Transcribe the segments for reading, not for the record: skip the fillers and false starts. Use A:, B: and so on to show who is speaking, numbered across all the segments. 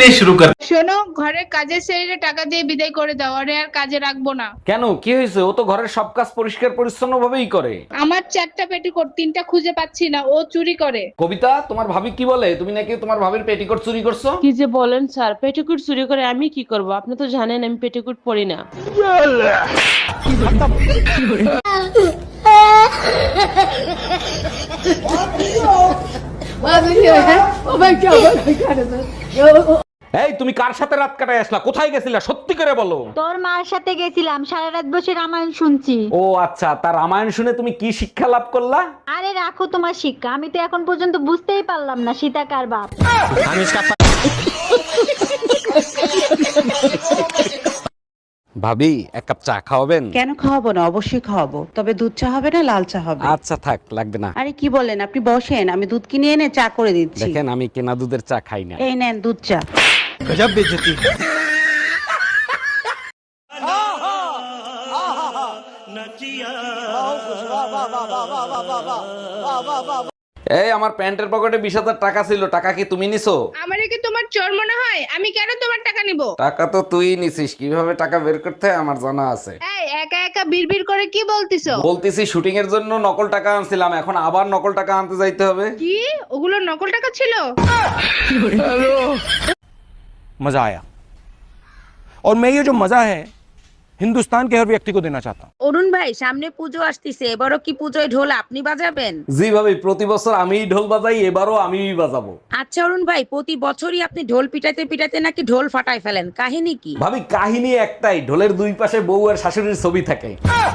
A: शुरू कर।
B: শোনো, ঘরের কাজের ছেলেরে টাকা দিয়ে বিদায় করে দাও, আরে আর কাজে রাখবো না।
C: কেন, কি হয়েছে? ও তো ঘরের সব কাজ পরিষ্কার পরিচ্ছন্ন ভাবেই করে।
B: আমার 4টা পেটিকোট, 3টা খুঁজে পাচ্ছি না, ও চুরি করে।
C: কবিতা, তোমার ভাবি কি বলে? তুমি নাকি তোমার ভাবির পেটিকোট চুরি করছো?
D: কি যে বলেন স্যার, পেটিকুট চুরি করে আমি কি করব? আপনি তো জানেন আমি পেটিকুট পরি না।
C: এই, তুমি কার সাথে রাত কাটায় আসলা? কোথায় গেছিলা? সত্যি করে বলো।
E: তোর মার সাথে গেছিলাম, সারা রাত বসে রামায়ণ শুনছি।
C: ও আচ্ছা, তার রামায়ণ শুনে তুমি কি শিক্ষা লাভ করলা?
E: আরে রাখো তোমার শিক্ষা, আমি তো এখন পর্যন্ত বুঝতেই পারলাম না সীতা কার বাপ।
C: ভাবি, এক কাপ চা খাওয়াবেন?
F: কেন খাওয়াবো না, অবশ্যই খাওয়াবো, তবে দুধ চা হবে না লাল চা হবে।
C: আচ্ছা থাক, লাগবে না।
F: আরে কি বলেন, আপনি বসেন, আমি দুধ কিনে এনে চা করে দিচ্ছি।
C: দেখেন, আমি কেনা দুধের চা খাই না।
F: এই নেন দুধ চা।
C: এই, আমার প্যান্টের পকেটে 20,000 টাকা ছিল, টাকা কি তুমি নিছো?
B: আমারে কি তোমার চোর মনে হয়? আমি কেন তোমার টাকা নিব?
C: টাকা তো তুই নিছিস, কিভাবে টাকা বের করতে হয় আমার জানা আছে।
B: এই একা একা বিড়বিড় করে কি বলতিছো?
C: বলতেছি শুটিং এর জন্য নকল টাকা আনছিলাম, এখন আবার নকল টাকা আনতে যাইতে হবে।
B: কি ওগুলো নকল টাকা ছিল?
G: मजा आया और मैं ये जो मजा है हिंदुस्तान के हर व्यक्ति को देना चाहता हूँ।
H: অরুণ ভাই, সামনে পুজো আসতেছে, এবারও কি পুজোয় ঢোল আপনি বাজাবেন?
C: জি ভাবি, প্রতি বছর আমিই ঢোল বাজাই, এবারও আমিই বাজাবো।
H: আচ্ছা অরুণ ভাই, প্রতি বছরই আপনি ঢোল পিটাতে পিটাতে নাকি ঢোল ফাটায় ফেলেন, কাহিনী কি?
C: ভাবি, কাহিনী একটাই, ঢোলের দুই পাশে বউ আর শাশুড়ির ছবি থাকে।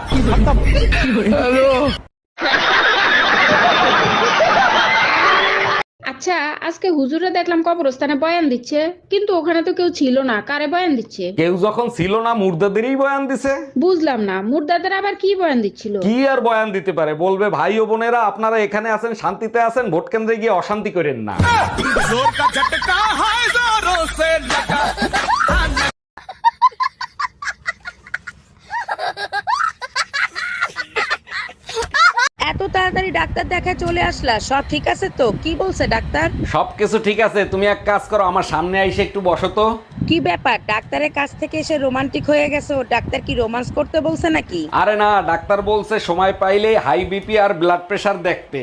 B: আচ্ছা, আজকে হুজুরে দেখলাম কবরস্থানে বয়ান দিচ্ছে, কিন্তু ওখানে তো কেউ ছিল না, কারে বয়ান দিচ্ছে?
C: কেউ যখন ছিল না, মুর্দাদেরই বয়ান দিছে।
B: বুঝলাম না, মুর্দাদের আবার কি বয়ান দিচ্ছিল?
C: কি আর বয়ান দিতে পারে, বলবে ভাই ও বোনেরা, আপনারা এখানে আছেন, শান্তিতে আছেন, ভোট কেন্দ্রে গিয়ে অশান্তি করেন না।
H: এত তাড়াতাড়ি ডাক্তার দেখায় চলে আসলা, সব ঠিক আছে তো? কি বলছে ডাক্তার?
C: সবকিছু ঠিক আছে, তুমি এক কাজ করো, আমার সামনে আইসে একটু বসো তো।
H: কি ব্যাপার, ডাক্তারের কাছ থেকে এসে রোমান্টিক হয়ে গেছে? ও ডাক্তার কি রোমান্স করতে বলছে নাকি?
C: আরে না, ডাক্তার বলছে সময় পাইলে হাই বিপি আর ব্লাড প্রেশার দেখতে।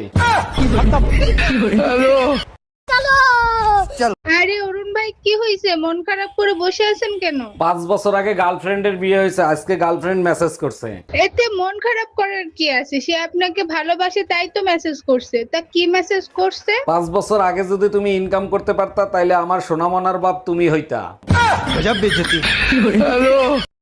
B: আরে অরুণ ভাই, কি হয়েছে? মন খারাপ করে বসে আছেন কেন?
C: 5 বছর আগে গার্লফ্রেন্ডের বিয়ে হয়েছে, আজকে গার্লফ্রেন্ড মেসেজ করছে।
B: এতে মন খারাপ করার কি আছে? সে আপনাকে ভালোবাসে তাই তো মেসেজ করছে। তা কি মেসেজ করছে?
C: 5 বছর আগে যদি তুমি ইনকাম করতে পারতা, তাইলে আমার সোনামনার বাপ তুমি হইতা।